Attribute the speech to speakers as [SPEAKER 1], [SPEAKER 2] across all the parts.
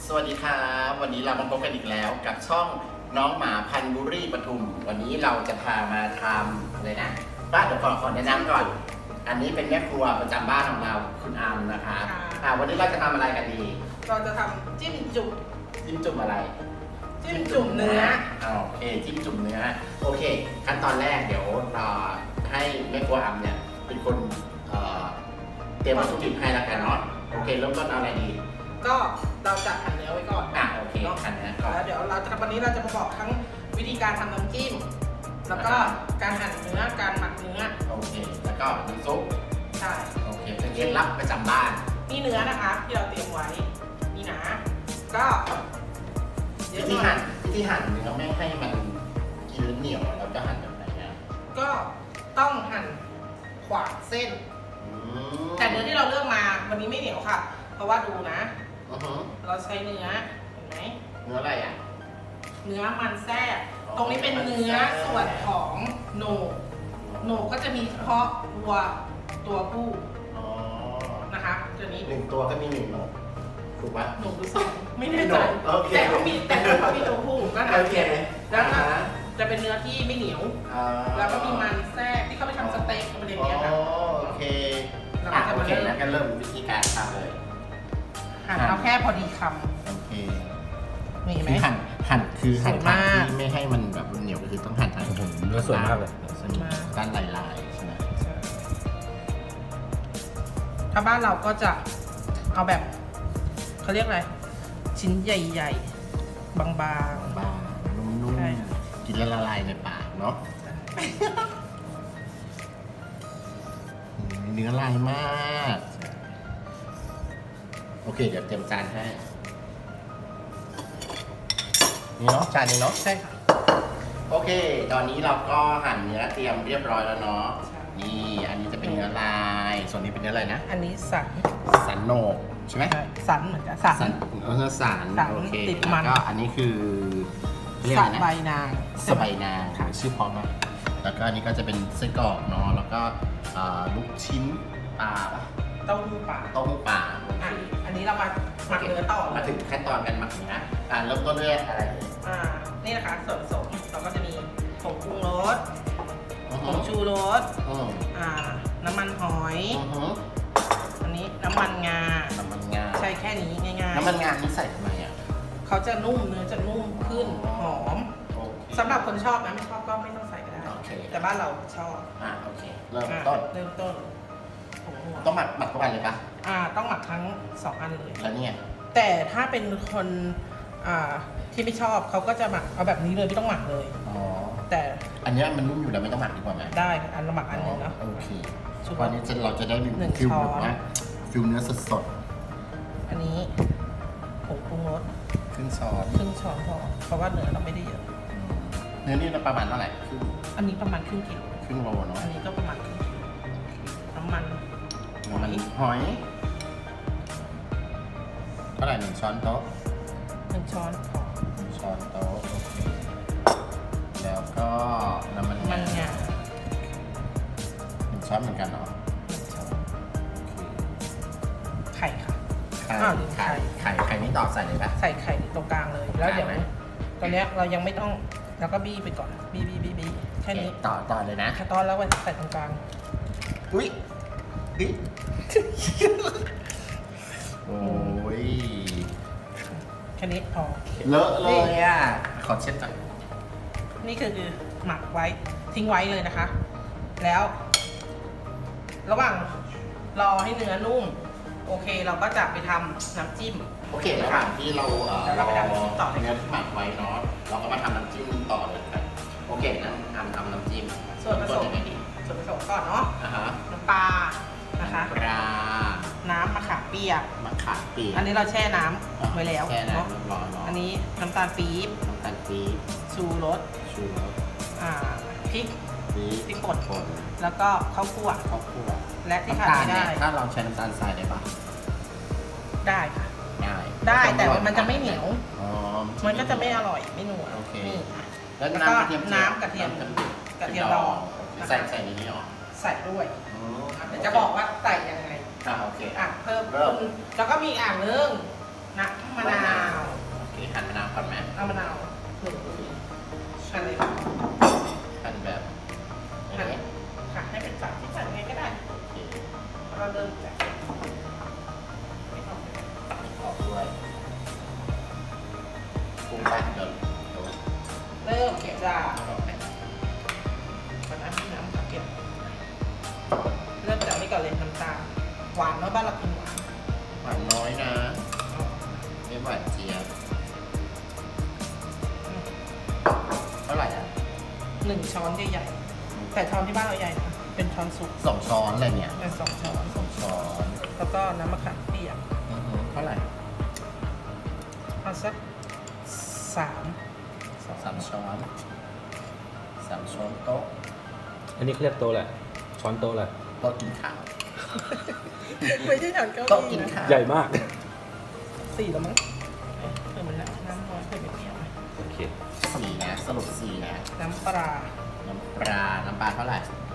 [SPEAKER 1] สวัสดีครับวันนี้เรามาพบกันอีกแล้วกับช่องน้องหมาพันธุ์บุรีปทุมวันนี้เราจะพามาทำอะไรนะบ้านเดี๋ยวขอแนะนำก่อนอันนี้เป็นแม่ครัวประจำบ้านของเราคุณอามนะคะวันนี้เราจะทำอะไรกันดี
[SPEAKER 2] เราจะทำจิ้มจุ่ม
[SPEAKER 1] อะไร
[SPEAKER 2] จิ้มจุ่มเนื้อ
[SPEAKER 1] โอเคจิ้มจุ่มเนื้อโอเคขั้นตอนแรกเดี๋ยวให้แม่ครัวอามเนี่ยเป็นคนเตรียมวัตถุดิบให้แล้วกันเนาะโอเคเริ่มต้นเอาอะไรดี
[SPEAKER 2] ก็เราจะหั่นเนื้อไว้ก่อน
[SPEAKER 1] โอเคหั่นเนื้อก่อน
[SPEAKER 2] แล้วเดี๋ยววันนี้เราจะมาบอกทั้งวิธีการทำน้ำจิ้มแล้วก็การหั่นเนื้อการหมักเนื้อ
[SPEAKER 1] โอเคแล้วก็น้ำซุป
[SPEAKER 2] ใช่
[SPEAKER 1] โอเคเป็นเคล็ดลับประจำบ้าน
[SPEAKER 2] นี่เนื้อนะคะที่เราเตรียมไว้นี่นะก็
[SPEAKER 1] วิธีหั่นเนื้อไม่ให้มันกินเหนียวเราจะหั่นแบบไหนเนี่ย
[SPEAKER 2] ก็ต้องหั่นขวางเส้นแต่เนื้อที่เราเลือกมาวันนี้ไม่เหนียวค่ะเพราะว่าดูนะเราใช้เนื้อเห็นไหม
[SPEAKER 1] เนื้ออะไรอ่ะ
[SPEAKER 2] เนื้อมันแทรกตรงนี้เป็นเนื้อส่วนของโหนกก็จะมีเฉพาะวัวตัวผู้นะคะตัวนี้
[SPEAKER 1] 1ตัวก็มี1โหนกถูกปะ
[SPEAKER 2] โหนกหรือ2ไม่แน่ใจแต่เขามีตัวผู้ก็นะแล้วจะเป็นเนื้อที่ไม่เหนียวแล้วก็มีมันแทรกที่เขาไปทำสเต็กอะไรอย่างเงี้ยค่ะ
[SPEAKER 1] โอเคโอเคแล้วก็เริ่มวิธีการทำเลย
[SPEAKER 2] หั่นเอาแค่พอดีคำ
[SPEAKER 1] โอเค
[SPEAKER 2] มีไหม
[SPEAKER 1] หั่นที่ไม่ให้มันแบบเหนียวก็คือต้องหั่นทาง
[SPEAKER 3] เนื้อสวยมากเลย
[SPEAKER 1] ด้านลายใช่ไหม
[SPEAKER 2] ถ้าบ้านเราก็จะเอาแบบเขาเรียกอะไรชิ้นใหญ่ๆบาง
[SPEAKER 1] ๆนุ่มๆกินแล้วละลายในปากเนาะเนื้อลายมากโอเคเดี๋ยวเตรียมจานให้นี่เนาะจานนี้เนาะ
[SPEAKER 2] ใช่ค่ะ
[SPEAKER 1] โอเคตอนนี้เราก็หั่นเนื้อเตรียมเรียบร้อยแล้วเนาะนี่อันนี้จะเป็นเนื้อลายส่วนนี้เป็นเนื้ออะไรนะ
[SPEAKER 2] อันนี้
[SPEAKER 1] สันโหนกใช่ไหม
[SPEAKER 2] สันเหมือนกันสัน
[SPEAKER 1] โอเค
[SPEAKER 2] ติดมัน
[SPEAKER 1] ก็อันนี้คือ
[SPEAKER 2] สะใบนาง
[SPEAKER 1] ชื่อพร้อมมากแล้วก็อันนี้ก็จะเป็นไส้กรอกเนาะแล้วก็ลูกชิ้นปลา
[SPEAKER 2] เต้าหู้ปลาอันนี้เรามาหมักเนื้อต่อ
[SPEAKER 1] มาถึงขั้นตอนการหมักเนื้อเริ่มต้นด้วยอะไร
[SPEAKER 2] นี่นะคะส่วนผสมเราก็จะมีผงปรุงรสผงชูรสน้ำมันหอยอันนี้น้ำมันงาใช่แค่นี้ง่ายๆ
[SPEAKER 1] น้ำมันงานี่ใส่ทำไมอ่ะ
[SPEAKER 2] เขาจะนุ่มเนื้อจะนุ่มขึ้นหอมสำหรับคนชอบนะไม่ชอบก็ไม่ต้องใส่ก็ได้แต่บ้านเราชอบ
[SPEAKER 1] โอเคเริ่มต้นต้องหมักทุกอันเลยปะ
[SPEAKER 2] ต้องหมักทั้ง2อันเลย
[SPEAKER 1] แล้วเนี่ย
[SPEAKER 2] แต่ถ้าเป็นคนที่ไม่ชอบเขาก็จะหมักเอาแบบนี้เลยไม่ต้องหมักเลยแต่
[SPEAKER 1] อันนี้มันนุ่มอยู่แล้วไม่ต้องหมักดีกว่าไหม
[SPEAKER 2] ได้อันละหมักอันนึงนะ
[SPEAKER 1] โอเควันนี้เราจะได้ฟิลแบบว่าฟิลเนื้อสด
[SPEAKER 2] อันนี้ผงปรุงรส
[SPEAKER 1] ครึ่งช้อน
[SPEAKER 2] พอเพราะว่าเนื้อเราไม่ได้เยอะ
[SPEAKER 1] เนื้อนี่ประมาณเท่าไหร่
[SPEAKER 2] อันนี้ประมาณครึ่งกิโล
[SPEAKER 1] เนาะ
[SPEAKER 2] อันนี้ก็ประมาณครึ่งกิโลน้ำมัน
[SPEAKER 1] หอยเท่าไหร่1 ช้อนโต๊ะ
[SPEAKER 2] 1 ช้อนพอ
[SPEAKER 1] 1 ช้อนโต๊ะโอเคแล้วก็น้ำมัน
[SPEAKER 2] งา
[SPEAKER 1] 1 ช้อนเหมือนกันเนาะ
[SPEAKER 2] ไข่ค่ะ
[SPEAKER 1] ไข่นี่ต่อใส่เลยปะ
[SPEAKER 2] ใส่ไข่ตรงกลางเลยแล้วเดี๋ยวตอนนี้เรายังไม่ต้องแล้วก็บี้ไปก่อนบี้แค่นี้
[SPEAKER 1] ต่อเลยนะ
[SPEAKER 2] ตอนแล้วใส่ตรงกลาง
[SPEAKER 1] อุ้ยโอ้ย
[SPEAKER 2] แค่นี้พอ
[SPEAKER 1] เลอะเลยอ่ะขอเช็ดก่อน
[SPEAKER 2] นี่คือหมักไว้ทิ้งไว้เลยนะคะ แล้วระหว่างรอให้เนื้อนุ่มโอเคเราก็จะไปทำน้ำจิ้ม
[SPEAKER 1] โอเคระหว่างที่เรา
[SPEAKER 2] ไปทำน้ำจิ้มต่อเลย
[SPEAKER 1] เนื้อที่หมักไว้เนาะเราก็มาทำน้ำจิ้มต่อเลยครับโอเคนั่งทำน้ำจิ้ม
[SPEAKER 2] ส่วนผสมก่อนเนาะน้ำปลานะคะน้ำมะขามเปียกอันนี้เราแช่น้ำไว้แล้วเนาะอันนี้น้ำตาลปี๊บชูรสพริกป่นแล้วก็ข้าวคั่วและที่ขาดไม่ได้
[SPEAKER 1] ถ้าเราใช้น้ำตาลทรายได้ปะ
[SPEAKER 2] ได้ค่ะได้แต่ว่ามันจะไม่เหนียวมันก็จะไม่อร่อยไม่นัว
[SPEAKER 1] นี่
[SPEAKER 2] แล้วก็น้ำกระเทียมดอง
[SPEAKER 1] ใส่ในนี้หรอ
[SPEAKER 2] ใส่ด้วยเดี๋ยวจะบอกว่าใส่ยังไง
[SPEAKER 1] โอเค
[SPEAKER 2] เพิ่มแล้วก็มีอ่างนึงน้ำมะนาว
[SPEAKER 1] โอเคหั่นมะนาวก่อนไหม
[SPEAKER 2] เอามะนาวหั่นเลย
[SPEAKER 1] หั่นแบบ
[SPEAKER 2] หั่นค่ะให้เป็นฝักที่ใส่ไงก็ได้
[SPEAKER 1] โอเค
[SPEAKER 2] เราเริ่มจากไม่ออก
[SPEAKER 1] ออกด้วยปรุงไปเดี๋ยว
[SPEAKER 2] เริ่มจาก
[SPEAKER 1] ออกไป
[SPEAKER 2] น้ำค่ะเก็บเริ่มจากนี่ก่อนเลยน้ำตาลหวานเนาะบ้านเรากินหวาน
[SPEAKER 1] หวานน้อยนะไม่หวานเจี๊ยบเท่าไหร่อ่ะ
[SPEAKER 2] 1 ช้อนใหญ่ๆแต่ช้อนที่บ้านเราใหญ่นะเป็นช้อนสุก
[SPEAKER 1] 2 ช้อนอะไรเนี่ย
[SPEAKER 2] เป็น2 ช้อน
[SPEAKER 1] 2 ช้อน
[SPEAKER 2] แล้วก็น้ำมะขามเปียก
[SPEAKER 1] เท่าไหร่
[SPEAKER 2] เอาสัก
[SPEAKER 1] 3 ช้อน3 ช้อนโต๊ะ
[SPEAKER 3] อันนี้เขาเรียกโต๊ะแหละช้อนโต๊ะแหละ
[SPEAKER 1] โต๊ะกินข้าว
[SPEAKER 2] ไม่ใช่ช้อนเก้า
[SPEAKER 1] โต๊ะ
[SPEAKER 2] อี้
[SPEAKER 1] กิน
[SPEAKER 2] นะ
[SPEAKER 1] ข้าว
[SPEAKER 3] ใหญ่มาก
[SPEAKER 2] 4แล้วมั้งเพิ่มมันแล้วน้ำน้อยเพิ่มไปเปรี้ยวไหม
[SPEAKER 3] โอเค
[SPEAKER 1] 4นะสรุป4นะ
[SPEAKER 2] น้ำปลา
[SPEAKER 1] น้ำปลาเท่าไหร่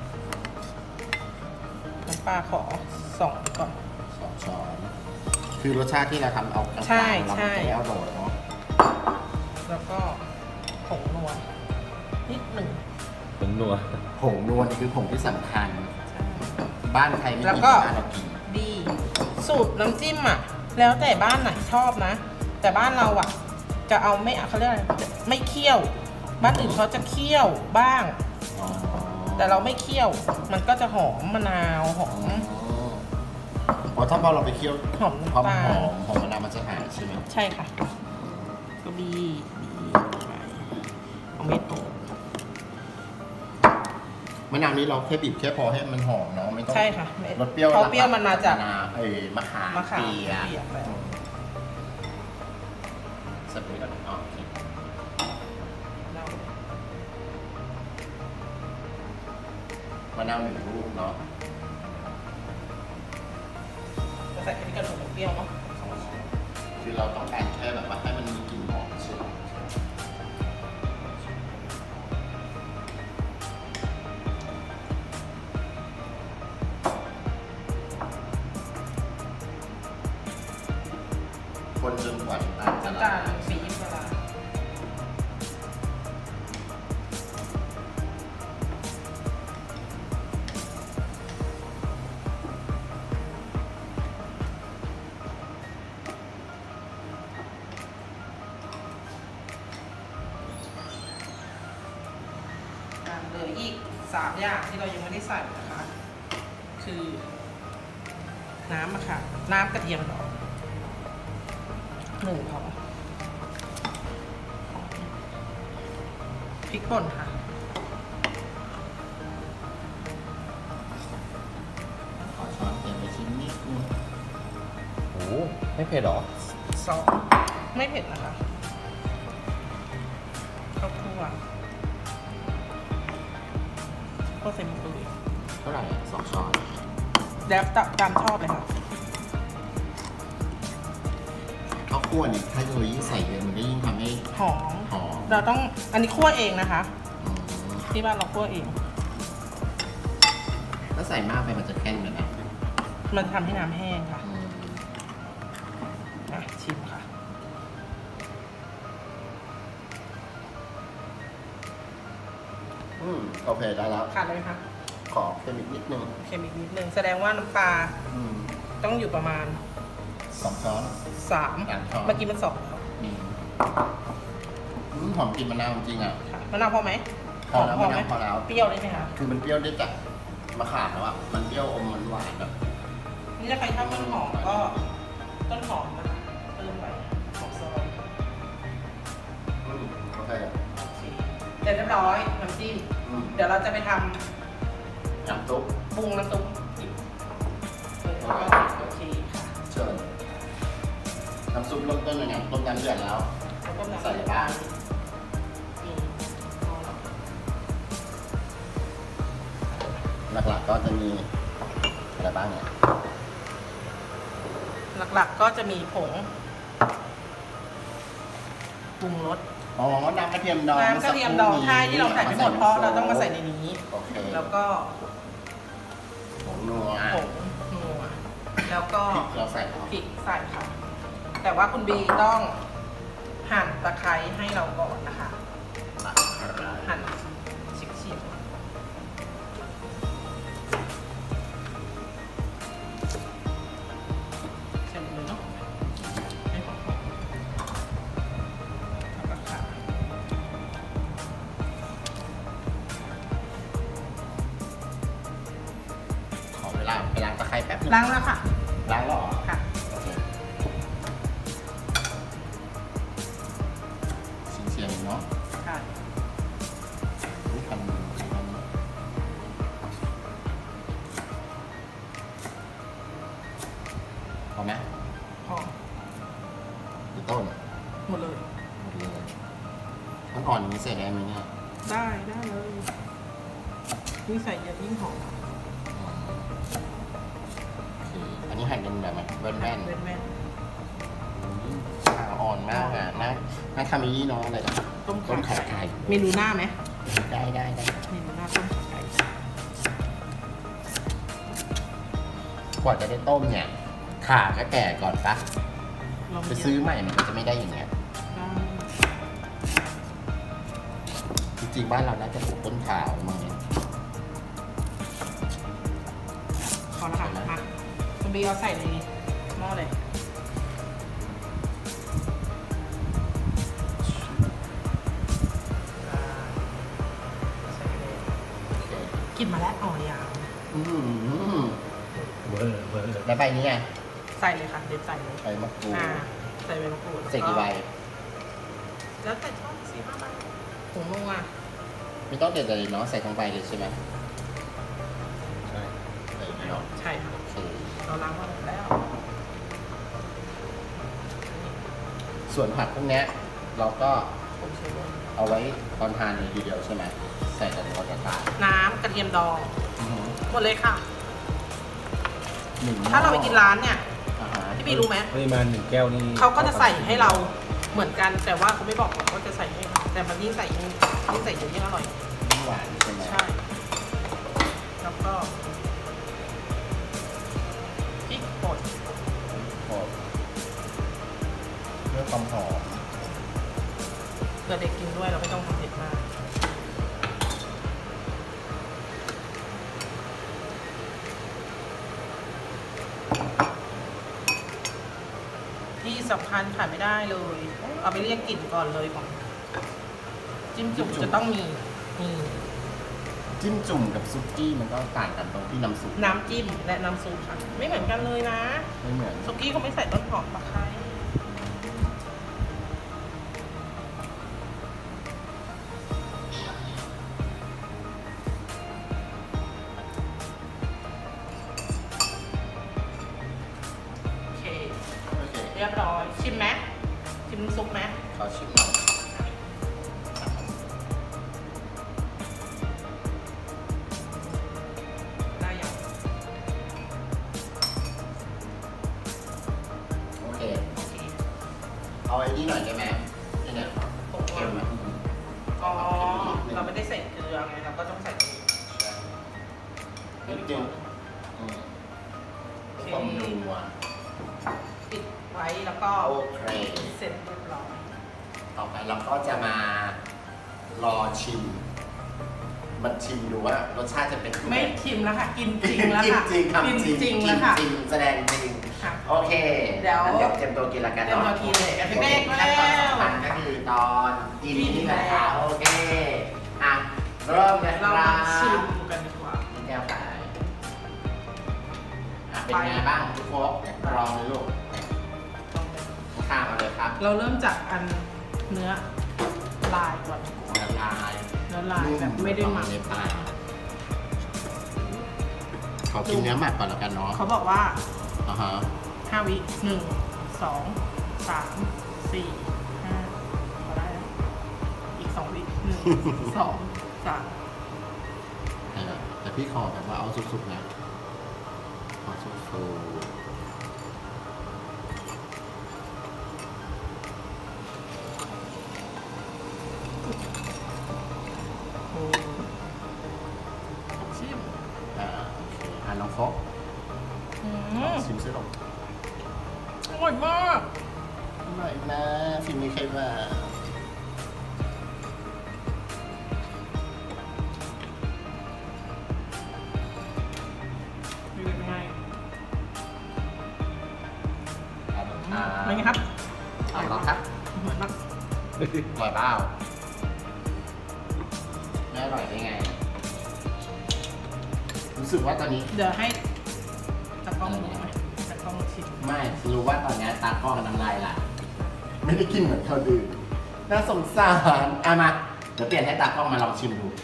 [SPEAKER 2] น้ำปลาขอ2ก่อน
[SPEAKER 1] 2 ช้อน คือรสชาติที่เราทำเอากลางๆ
[SPEAKER 2] ใช่
[SPEAKER 1] เรา
[SPEAKER 2] ใช่
[SPEAKER 1] ไม่ได้เอาโดดเนาะ
[SPEAKER 2] แล้วก็ผงนัวนิดหนึ่ง
[SPEAKER 3] เป็นนัว
[SPEAKER 1] ผงนวลนี่คือผงที่สำคัญ
[SPEAKER 2] ใช่
[SPEAKER 1] บ้านใครไม่
[SPEAKER 2] แล้ว
[SPEAKER 1] กิน
[SPEAKER 2] ก็
[SPEAKER 1] บ้านเรากิน
[SPEAKER 2] ดีสูตรน้ำจิ้มอ่ะ แล้วแต่บ้านไหนชอบนะ แต่บ้านเราอ่ะ จะเอาไม่เขาเรียกอะไรไม่เคี่ยว บ้านอื่นเขาจะเคี่ยวบ้าง
[SPEAKER 1] อ๋อ
[SPEAKER 2] แต่เราไม่เคี่ยว มันก็จะหอมมะนาวหอ
[SPEAKER 1] อ๋อ
[SPEAKER 2] ม
[SPEAKER 1] เพราะถ้าพอเราไปเคี่ยว
[SPEAKER 2] หอม
[SPEAKER 1] ความ
[SPEAKER 2] น้ำตา
[SPEAKER 1] ห
[SPEAKER 2] ล
[SPEAKER 1] อมของมะนาวมันจะหายใช่ไหม
[SPEAKER 2] ใช่ค่ะ ก็บีไปเอาเม็ดออก
[SPEAKER 1] มะนาวนี้เราแค่บีบแค่พอให้มันหอมเนาะไม่ต้อง
[SPEAKER 2] ใช่ค่ะม็ด
[SPEAKER 1] รสเปรี้ยว
[SPEAKER 2] เพราะเปรี้ยวมันมาจาก
[SPEAKER 1] มะนาวมะขาม
[SPEAKER 2] มะขาม
[SPEAKER 1] เปียก
[SPEAKER 2] เปียกแล้ว
[SPEAKER 1] สับปะรดอ๋อโอเค
[SPEAKER 2] เรา
[SPEAKER 1] มะนาว1 ลูกเนาะ
[SPEAKER 2] จะใส่แค่นี้ก็หนูเปรี้ยวเนาะ
[SPEAKER 1] คือเราต้องการแค่แบบว่าให้มันมีกลิ่นหอมใช่ไหมคนจนกว่าน้ำตาลจะ
[SPEAKER 2] น้ำ
[SPEAKER 1] ละ
[SPEAKER 2] ตาล
[SPEAKER 1] ลาย
[SPEAKER 2] ปี๊บเวลาเหลืออีก3 อย่างที่เรายังไม่ได้ใส่นะคะ คือน้ำอะค่ะ น้ำกระเทียมดอก1 พอพริกป่นค่ะ
[SPEAKER 1] ขอช้อนเติมไปชิ้นนิดนึง
[SPEAKER 3] โอ้โหไม่เผ็ดหรอ
[SPEAKER 2] ซอสไม่เผ็ดนะคะข้าวคั่วข้าวใส่หมูตุ๋ย
[SPEAKER 1] เท่าไหร่2 ช้อน
[SPEAKER 2] แล้วตามชอบเลยค่ะ
[SPEAKER 1] ข้าวคั่วเนี่ยถ้าเรายิ่งใส่เยอะมันก็ยิ่งทำให้
[SPEAKER 2] หอม
[SPEAKER 1] หอม
[SPEAKER 2] เราต้องอันนี้คั่วเองนะคะ
[SPEAKER 1] อืม
[SPEAKER 2] ที่บ้านเราคั่วเอง
[SPEAKER 1] ถ้าใส่มากไปมันจะแข็งเลยนะ
[SPEAKER 2] มันทำให้น้ำแห้งค่ะ
[SPEAKER 1] อืม
[SPEAKER 2] อ่ะชิมค่ะ
[SPEAKER 1] โอเคได้แล้ว
[SPEAKER 2] ขาดเลยไหมคะ
[SPEAKER 1] ขอเค็มอีกนิดนึง
[SPEAKER 2] เค็มอีกนิดนึงแสดงว่าน้ำปลา
[SPEAKER 1] อืม
[SPEAKER 2] ต้องอยู่ประมาณ
[SPEAKER 1] 2 ช้อน
[SPEAKER 2] 3
[SPEAKER 1] ช้อน
[SPEAKER 2] เมื่อกี้มัน2ค่ะ
[SPEAKER 1] หอมกลิ่นมะนาวจริงๆอ่ะ
[SPEAKER 2] มะนาวพอไหม
[SPEAKER 1] พอแล้ว
[SPEAKER 2] หม
[SPEAKER 1] มะ
[SPEAKER 2] ไหม
[SPEAKER 1] นาวพอแล้ว
[SPEAKER 2] เปรี้ยวเลยไหมคะ
[SPEAKER 1] คือมันเปรี้ยวได้จากมะขามแล้วอ่ะ มันเปรี้ยวอมมันหวานแบบ
[SPEAKER 2] นี่ถ้าใครชอบต้นหอมก็ต้นหอมนะคะเพิ่มไปของซอย
[SPEAKER 1] โอเค
[SPEAKER 2] โอเคเสร็จเรียบร้อยน้ำจิ้ม เดี๋ยวเราจะไปท
[SPEAKER 1] น้ำซุป
[SPEAKER 2] ำปรุงน้ำซุปอีกโอเคค่ะ
[SPEAKER 1] เชิญน้ำซุปเริ่มต้นยังไงต้มน้ำเดือดแล้ว
[SPEAKER 2] แล้วก็
[SPEAKER 1] ใส่บ้าง
[SPEAKER 2] อืม
[SPEAKER 1] หลักๆก็จะมีอะไรบ้างเนี่ย
[SPEAKER 2] หลักๆก็จะมีผงปรุงรส
[SPEAKER 1] อ๋อ น้ำกระเทียมดอง
[SPEAKER 2] น้ำกระเทียมดองใช่ที่เราใส่ไม่หมดเพราะเราต้องมาใส่ในนี้
[SPEAKER 1] โอเค
[SPEAKER 2] แล้วก็
[SPEAKER 1] ผงนัว
[SPEAKER 2] ผงนัวแล้วก็
[SPEAKER 1] พริกเราใส่เหรอ
[SPEAKER 2] พริกใส่ค่ะแต่ว่าคุณบีต้องหั่นตะไคร้ให้เราก่อนนะคะ หั่นชิ้นๆเช่นเลยเนาะให้หอมๆแล้วก็ค่ะ
[SPEAKER 1] ขอเวลาไปล้างตะไคร้แป๊บนึง
[SPEAKER 2] ล้างแล้วค่ะ
[SPEAKER 1] ล้างแล้วเหรอ
[SPEAKER 2] ค่ะ
[SPEAKER 1] โอเคเสียงๆเนาะ
[SPEAKER 2] ค่ะ
[SPEAKER 1] อุ๊ยทำพอไหม
[SPEAKER 2] พอ
[SPEAKER 1] หรือต้น
[SPEAKER 2] หมดเลย
[SPEAKER 1] หมดเลยมันอ่อนอย่างนี้ใส่ได้ไหมเนี่ย
[SPEAKER 2] ได้เลยยิ่งใส่เยอะยิ่งหอม
[SPEAKER 1] โอเคอันนี้หั่นเป็นแบบไหนแว่น
[SPEAKER 2] แว่น
[SPEAKER 1] ๆขาอ่อนมากอ่ะน่าทำอีเนาะอะไรนะ
[SPEAKER 2] ๆต้ม
[SPEAKER 1] ต้ม
[SPEAKER 2] ขา
[SPEAKER 1] ขาไก่
[SPEAKER 2] เมนูหน้าไหม
[SPEAKER 1] ได้
[SPEAKER 2] เมนูหน้าต้มขาไก่
[SPEAKER 1] กว่าจะได้ต้มเนี่ยขาก็แก่ก่อนปะ
[SPEAKER 2] ลอง
[SPEAKER 1] ไปซื้อใหม่มันก็จะไม่ได้อย่างเงี้ย
[SPEAKER 2] ได้
[SPEAKER 1] จริงๆบ้านเราน่าจะปลูกต้นขาวมั้ง
[SPEAKER 2] พอแล้วค่ะมาคุณบีเอาใส่ในหม้อเลยใส่ไปเลยกลินมาแล้วอ๋อยาว
[SPEAKER 1] อืม
[SPEAKER 3] เวอร์เวอร์
[SPEAKER 1] แล้วใบนี้ไง
[SPEAKER 2] ใส่เลยค่ะเด็ดใส่เลย
[SPEAKER 1] ใบมะกรูด
[SPEAKER 2] ใส่ใบมะกรูด
[SPEAKER 1] ใส่กี่ใบ
[SPEAKER 2] แล้วแต่ชอบ4-5 ใบผงนัว
[SPEAKER 1] ไม่ต้องเด็ดเลยเนาะใส่ทั้งใบเลยใช่ไหม
[SPEAKER 3] ใช่
[SPEAKER 1] ใส่เนาะ
[SPEAKER 2] ใช่ค่ะ
[SPEAKER 1] โอเค
[SPEAKER 2] เราล้างมาหมดแล้ว
[SPEAKER 1] ส่วนผักพวกเนี้ยเราก็
[SPEAKER 2] ผมใช้ด้วย
[SPEAKER 1] เอาไว้ตอนทานเลยทีเดียวใช่ไหมใส่แต่ในกระทะ
[SPEAKER 2] น้ำกระเทียมดองหมดเลยค่ะ
[SPEAKER 1] หนึ่ง
[SPEAKER 2] ถ้าเราไปกินร้านเนี่ย
[SPEAKER 1] อ่าฮะ
[SPEAKER 2] พี่บีรู้ไหม
[SPEAKER 3] ปริมาณ1 แก้วนี่
[SPEAKER 2] เขาก็จะใส่ให้เราเหมือนกันแต่ว่าเขาไม่บอกหรอกว่าจะใส่ให้เราแต่มันยิ่งใส่เยอะยิ่งอร่อย
[SPEAKER 1] น้ำหวานใช่ไหม
[SPEAKER 2] ใช่แล้วก็พริกป่น
[SPEAKER 1] โอ้เพื่อความหอม
[SPEAKER 2] เผื่อเด็กกินด้วยเราไม่ต้องทำเผ็ดมากที่สำคัญขาดไม่ได้เลย เอาไปเรียกกลิ่นก่อนเลยของจิ้มจุ่มจะต้องมีนี่
[SPEAKER 1] จิ้มจุ่มกับซุกี้มันก็ต่างกันตรงที่น้ำซุป
[SPEAKER 2] น้ำจิ้มและน้ำซุปค่ะไม่เหมือนกันเลยนะ
[SPEAKER 1] ไม่เหมือน
[SPEAKER 2] ซุกี้เขาไม่ใส่ต้นหอมตะไคร้โอเค
[SPEAKER 1] โอเค
[SPEAKER 2] เรียบร้อยชิมไหมชิมน้ำซุปไหม
[SPEAKER 1] ขอชิมหน่อย
[SPEAKER 2] ได้ยัง
[SPEAKER 1] โอเค
[SPEAKER 2] โอเค
[SPEAKER 1] เอาไอ้นี่หน่อยได้ไหมนี่เนี่ย
[SPEAKER 2] ผง
[SPEAKER 1] เค็ม
[SPEAKER 2] นั
[SPEAKER 1] อ่ะ
[SPEAKER 2] วอ๋อเราไม่ได้ใส่เกลือไงเราก็ต้องใส่นี้
[SPEAKER 1] นิดนึงอืมเพื่อความนัว
[SPEAKER 2] ปิดไว้แล้วก็
[SPEAKER 1] โอเค
[SPEAKER 2] เสร็จเรียบร้อย
[SPEAKER 1] ต่อไปเราก็จะมารอชิม มันชิมดูว่ารสชาติจะเป็นยัง
[SPEAKER 2] ไม่
[SPEAKER 1] ไง
[SPEAKER 2] ชิมแล้วค่ะ กินจริงแล้ว
[SPEAKER 1] กิน
[SPEAKER 2] ค่ะ
[SPEAKER 1] จริงทำจริง
[SPEAKER 2] กินจริง
[SPEAKER 1] กิ
[SPEAKER 2] แล้ว
[SPEAKER 1] น
[SPEAKER 2] ค่ะ
[SPEAKER 1] จริงแสดงจริง
[SPEAKER 2] ค่ะ
[SPEAKER 1] โอเค
[SPEAKER 2] เดี๋ยว
[SPEAKER 1] งั้นเดี๋ยวเตรียมตัวกินละกัน
[SPEAKER 2] เตรียม
[SPEAKER 1] เนาะ
[SPEAKER 2] ตัวกินเลยเด็กๆ
[SPEAKER 1] ขั้นตอน
[SPEAKER 2] แล้ว
[SPEAKER 1] สำคัญก็คือตอนกิน
[SPEAKER 2] กิน
[SPEAKER 1] นี่แหละ
[SPEAKER 2] แล้ว
[SPEAKER 1] โอเคอ่ะเริ่มเลยค
[SPEAKER 2] เรา
[SPEAKER 1] รั
[SPEAKER 2] มา
[SPEAKER 1] บ
[SPEAKER 2] ชิมกันดีกว่า
[SPEAKER 1] นี่แก้วไปเป็นไงบ้างทุกคนลองเลยลูกข้ามมาเลยครับ
[SPEAKER 2] เราเริ่มจากอันเนื้อลายก่อน
[SPEAKER 1] ละลาย
[SPEAKER 2] เนื้อลายแบบไม่ได้หมัก
[SPEAKER 1] ในปากขอกินเนื้อหมักก่อนแล้วกันเนาะ
[SPEAKER 2] เขาบอกว่า
[SPEAKER 1] อ่าฮะ
[SPEAKER 2] 5 วิ 1 2 3 4 5พอได้แล้วอีก 2 วิ 1 2 3
[SPEAKER 1] แต่พี่ขอแบบว่าเอาสุกๆนะขอสุก
[SPEAKER 2] โอ้ชิม
[SPEAKER 1] ๆโอเคน้องโฟก
[SPEAKER 2] อืม
[SPEAKER 1] ชิมซิลง
[SPEAKER 2] อร่อยมาก
[SPEAKER 1] อร่อยนะฝีมือใครมา
[SPEAKER 2] ดูเป็นไง
[SPEAKER 1] อ่า
[SPEAKER 2] เป็นไงครับ
[SPEAKER 1] เอาลองครับ
[SPEAKER 2] เหมือนแบบ
[SPEAKER 1] อร่อยเปล่าไม่อร่อยได้ไง รู้สึกว่าตอนนี้
[SPEAKER 2] เดี๋ยวให้ตากล้องดูไหมตากล้องชิม
[SPEAKER 1] ไม่รู้ว่าตอนนี้ตากล้องน้ำลายไหลไม่ได้กินเหมือนเขาดื่มน่าสงสารเอามาเดี๋ยวเปลี่ยนให้ตากล้องมาลองชิมดู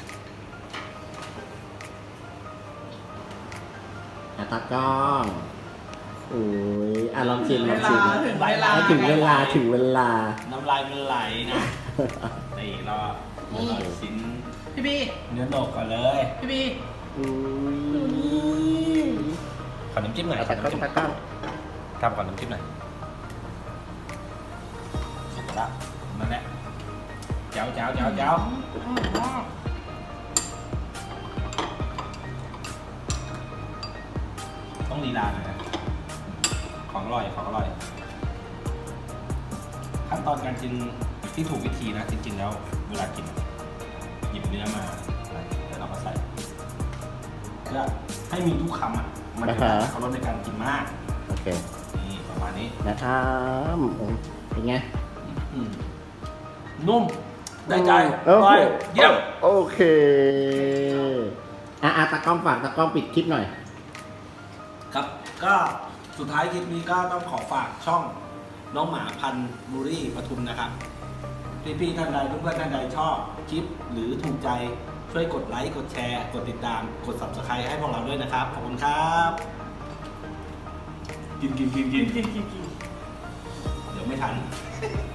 [SPEAKER 1] ตากล้องโอ้ยลองชิมลองชิม
[SPEAKER 2] ถึงเวลา
[SPEAKER 1] ถึงเวลาถึงเวลา
[SPEAKER 3] น้ำลายมันไหลนะนี่รอชิ้น
[SPEAKER 2] พี่บี
[SPEAKER 3] เนื้อหนกก่อนเลย
[SPEAKER 2] พี่บี
[SPEAKER 1] อุ้ย
[SPEAKER 3] ขอน้ำจิ้มหน่อย
[SPEAKER 1] ตากล้องตากล้อง
[SPEAKER 3] ทำขอน้ำจิ้มหน่อยเสร็จแล้วนั่นแหละเจ้า
[SPEAKER 2] อร่อยมาก
[SPEAKER 3] ต้องลีลาหน่อยนะของอร่อยขั้นตอนการกินที่ถูกวิธีนะจริงๆแล้วเวลากินหยิบเนื้อมาแล้วเราก็ใส่เพื่อให้มีทุกคำอ่ะมันจะเขาลดในการกินมาก
[SPEAKER 1] โอเค
[SPEAKER 3] นี่ประมาณนี้
[SPEAKER 1] นะครับเป็นไง
[SPEAKER 3] นุ่มได้ใจ
[SPEAKER 1] โอ
[SPEAKER 3] อร่
[SPEAKER 1] เค
[SPEAKER 3] อยเยี่ยม
[SPEAKER 1] โอเคตากล้องฝากตากล้องปิดคลิปหน่อย
[SPEAKER 3] ครับก็สุดท้ายคลิปนี้ก็ต้องขอฝากช่องน้องหมาพันธุ์บูรี่ปทุมนะครับพี่ๆท่านใดเพื่อนๆท่านใดชอบคลิปหรือถูกใจช่วยกดไลค์กดแชร์กดติดตามกด subscribe ให้พวกเราด้วยนะครับขอบคุณครับกิน
[SPEAKER 2] กิน
[SPEAKER 3] เดี๋ยวไม่ทัน